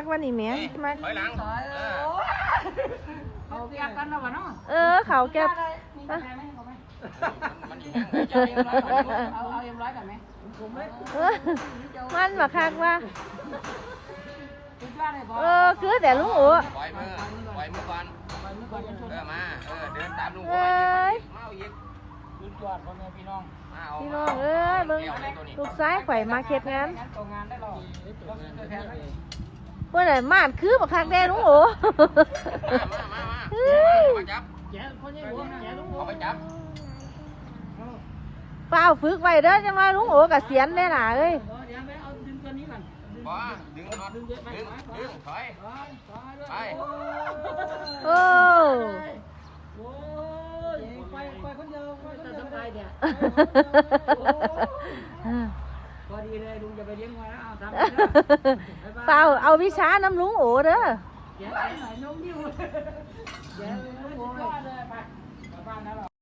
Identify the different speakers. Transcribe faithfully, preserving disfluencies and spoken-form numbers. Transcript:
Speaker 1: กวันนี้แม่มา
Speaker 2: ถอยหลัง
Speaker 3: เขาแก้กันแล้ววะเนาะ
Speaker 1: เออเขาแก้
Speaker 3: เอาเอาเอ็มร้อยกันไหม
Speaker 1: มันมาคักว่าเออคือแต่ลุงอู๋
Speaker 2: ปล่อยมือปล่อยมือก่อนเออมาเออเดินตามลุงอู๋มาอีกลุงจอดพ่อแม่พี่น้อง
Speaker 1: พี่น้องเอ้ยมึงลูกซ้ายไข่มาเก็บงานเมื่อไหร่มาดคือบักคักแด้ลุงอู๋
Speaker 2: มามามาจับ
Speaker 3: แย่คนยังหัวแย่ลุง
Speaker 2: เอาไปจับ
Speaker 1: เปล่าฝึกไว้เด้อจังว่าลุงอู๋กับเสียนได้หล่ะเอ้ย
Speaker 3: เดี๋ยวไปเอาดึงตัวนี้ก่อน
Speaker 2: บ่ดึงดึงดึงดึงถอยไป
Speaker 1: โอ้
Speaker 3: โอ้ยไปไปคนเดียวจะสบายเดี๋ยวพอดีเลยลุงจะไปเลี้ยงไว้แล้วเอาทำ
Speaker 1: เปล่าเอาวิชาน้ำลุงอู๋เด้อ
Speaker 3: แย่ไหนนมยิ้วแย่